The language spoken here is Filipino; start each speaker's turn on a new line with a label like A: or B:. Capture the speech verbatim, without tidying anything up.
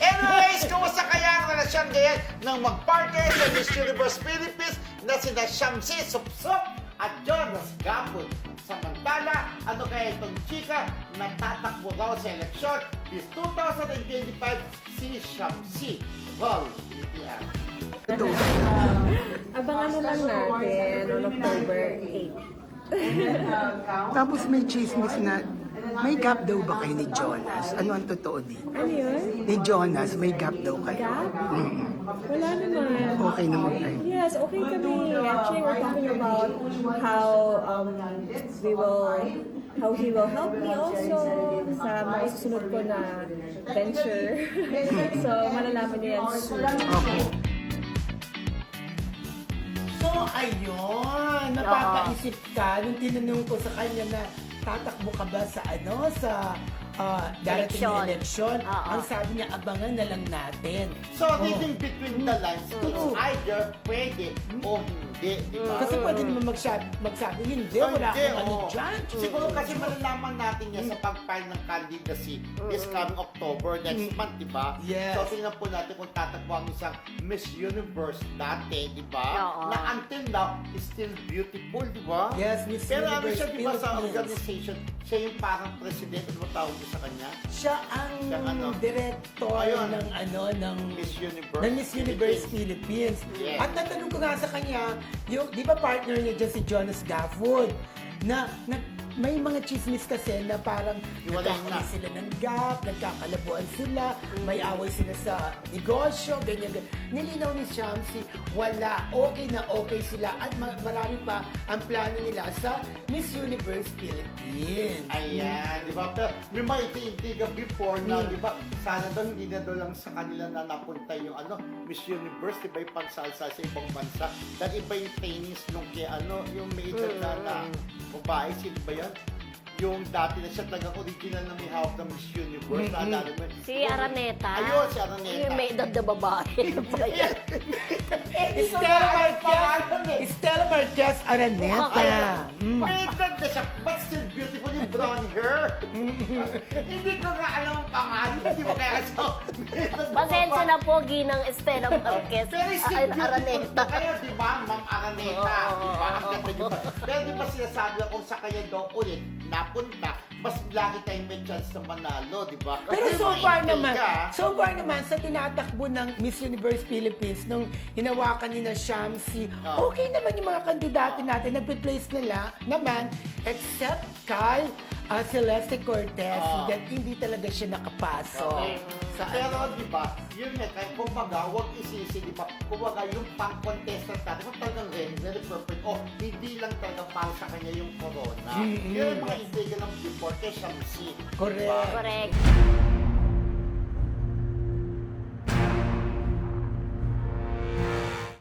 A: Anyways, kumusta kaya ang relasyon ngayon ng mag-partner sa Miss Universe Philippines na sina Shamsi Supsup at Jonas Gapon? Samantala, ano kaya itong chika na tatakbo daw sa eleksyon is twenty twenty-five si Shamsi? Well, yeah.
B: Abangan na lang natin on October eighth.
C: Tapos may chismis na may gap daw ba kayo ni Jonas? Ano ang totoo dito?
B: Ano yun?
C: Ni Jonas, may gap daw kayo.
B: Gap?
C: Mm.
B: Wala naman.
C: Okay naman kayo.
B: Yes, okay kami. Actually, we're talking about how um, we will, how he will help me also sa mga susunod ko na venture. So, malalaman niyo yan soon.
C: Okay.
D: So, ayun, napapaisip ka nung tinanong ko sa kanya na tatakbo ka ba sa ano, sa ah, darating na eleksyon.
E: Oo.
D: Ang sabi niya, abangan na lang natin.
A: So,
D: Oh.
A: reading between the lines, it's either pwede o hindi, di ba?
D: Kasi pwede naman magsabi, magsabi hindi,
A: Oh,
D: wala
A: hindi,
D: akong ano
A: oo.
D: dyan.
A: Siguro kasi malalaman natin yan sa pag-file ng candidacy this coming October next month, di ba?
D: Yes.
A: So, tingnan po natin kung tatakbo ang isang Miss Universe dati, di ba?
E: Oo.
A: Na until now is still beautiful, di ba?
D: Yes, Miss
A: Pero ano
D: Universe
A: siya, di ba, sa
D: Philippines.
A: organization, siya yung parang presidente, ano tawag niyo sa kanya?
D: Siya ang
A: Siya ano?
D: director
A: Ayun.
D: ng ano, ng
A: Miss Universe.
D: ng Miss Universe Philippines.
A: Yes.
D: At natanong ko nga sa kanya, yung, di ba partner niya dyan si Jonas Gaffood, na, na may mga chismis kasi na parang
A: Iwalay
D: nagkakaroon
A: na.
D: sila ng gap, nagkakalabuan sila, may away sila sa negosyo, ganyan, ganyan. Nilinaw ni Shamsi, wala, okay na okay sila at ma- marami pa ang plano nila sa Miss Universe Philippines.
A: Ayan, di ba? Pero may mga iti-intiga before na, di ba? Sana daw hindi na daw lang sa kanila na napunta yung ano, Miss Universe, di ba yung pagsalsa sa ibang bansa. Dahil iba yung trainings nung kay ano, yung may edad na na babae, sino ba yan? Yung dati na siya talagang original na may hawak ng Miss Universe.
D: Mm-mm.
A: Naalala mo? yun?
E: Si Araneta.
A: Ayun, si Araneta.
E: Yung may edad na babae.
A: Ayan.
D: Stella
A: Pangalan
D: Marquez,
A: eh.
D: Stella Marquez Araneta.
A: Kaya,
D: Mm.
A: may edad na siya, but still beautiful yung brown hair. Hindi ko nga alam ang pangalan. Hindi mo kaya so,
E: Pasensya na po, Ginang Estela Marquez.
A: Pero still
E: Ar-
A: beautiful.
E: Araneta.
A: Kaya di ba, Ma'am Araneta,
E: Oo,
A: di ba? Ang
E: oo,
A: ganda niyo pa. Pero di ba sinasabi na kung sa kanya daw ulit napunta, mas lagi tayong may chance na manalo, di ba?
D: Pero
A: Kasi
D: so
A: mga
D: far
A: intriga,
D: naman, so far naman sa tinatakbo ng Miss Universe Philippines nung hinawakan ni na Shamsi,
A: Oh.
D: okay naman yung mga kandidato natin, nagpe-place nila naman, except kay uh, Celeste Cortez,
A: Oh.
D: that hindi talaga siya nakapasok.
A: Okay.
D: Sa
A: Pero
D: ano.
A: di ba, yun nga, kahit kumbaga, huwag isisi, di ba? Kumbaga, yung pang-contestant natin, kung talagang ready, very perfect, o hindi lang talaga para sa kanya yung corona.
D: Mm-mm.
A: Yun yung mga intriga ng before kay Shamsi.
D: Correct.
A: Diba?
E: Correct.